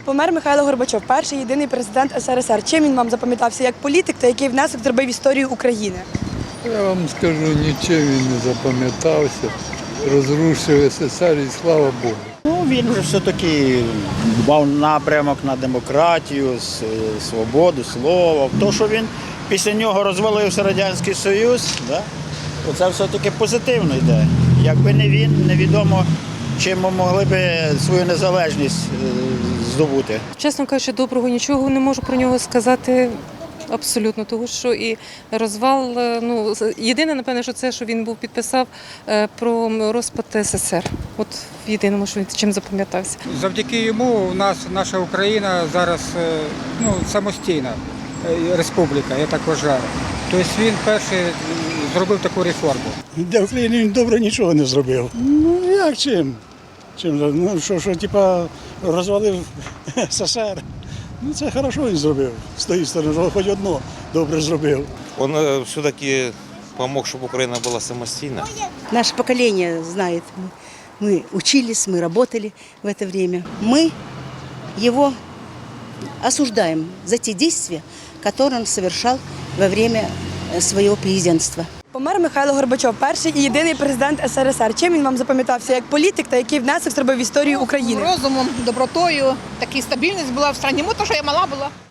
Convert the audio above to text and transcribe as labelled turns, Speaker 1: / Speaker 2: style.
Speaker 1: Помер Михайло Горбачов, перший єдиний президент СРСР. Чим він вам запам'ятався як політик та який внесок зробив в історію України?
Speaker 2: Я вам скажу, нічим він не запам'ятався. Розрушив СССР і слава Богу.
Speaker 3: Ну, він вже все-таки мав напрямок на демократію, свободу, слово. То, що він після нього розвалився Радянський Союз, да? Оце все-таки позитивно йде. Якби не він, невідомо, чим ми могли б свою незалежність здобути.
Speaker 4: Чесно кажучи, доброго нічого не можу про нього сказати абсолютно, тому що і розвал, ну, єдине, напевне, що це, що він підписав про розпад СССР. От єдиному, що він чим запам'ятався.
Speaker 5: Завдяки йому у нас наша Україна зараз самостійна республіка, я так вважаю. Тобто він перший зробив таку реформу.
Speaker 6: Для України він добре нічого не зробив. Ну як чим? Ну що типа розвалив СССР. Ну це хорошо він зробив. З тієї сторони, хоч одно добре зробив.
Speaker 7: Он все-таки помог, чтобы Украина была самостоятельна.
Speaker 8: Наше поколение знает. Мы учились, мы работали в это время. Мы его осуждаем за те действия, которые он совершал во время своего президентства.
Speaker 1: Помер Михайло Горбачов, перший і єдиний президент СРСР. Чим він вам запам'ятався як політик та який внесок зробив в історію України?
Speaker 9: Розумом, добротою, така стабільність була в країні, тому що я мала була.